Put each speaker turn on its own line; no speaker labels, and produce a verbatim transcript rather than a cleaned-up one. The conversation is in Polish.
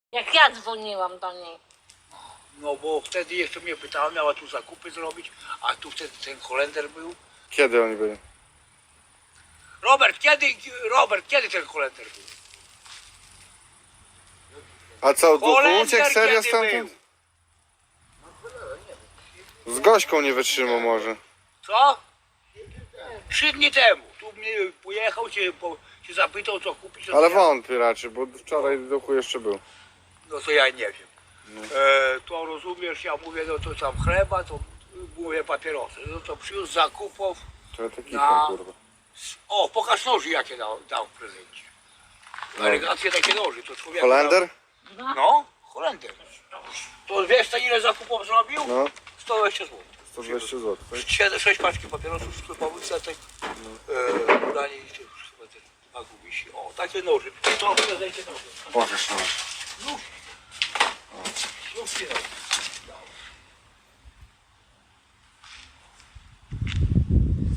Jak ja dzwoniłam do niej.
No bo wtedy jeszcze mnie pytała, miała tu zakupy zrobić, a tu wtedy ten Holender był.
Kiedy oni byli?
Robert, kiedy, Robert, kiedy ten Holender był?
A co, duchu
Holender
uciekł serio
kiedy
stamtąd?
był?
Z Gośką nie wytrzymał może.
Co? Trzy dni temu. Tu mnie pojechał, cię, po, cię zapytał co kupić. No to
Ale
ja,
wątpię raczej, bo wczoraj duchu jeszcze był.
No to ja nie wiem. E, to rozumiesz, ja mówię, no to tam chleba, to mówię papierosy. No to przyniósł zakupów.
To ja taki
Na-
kurwa.
O, pokaż noży jakie dał, dał w prezencie. Elegacje takie noży, to człowiek.
Holender?
No, Holender. To wiesz co ile zakupów zrobił?
No,
sto dwadzieścia złotych.
sto dwadzieścia złotych. tak?
Siedem, sześć paczki papierosów sklepowych, setek, e, ubranie i tych chyba te dwa gumisi. O, takie noże. To w prezencie noże.
Pokaż no.
Znów. Znów się noże.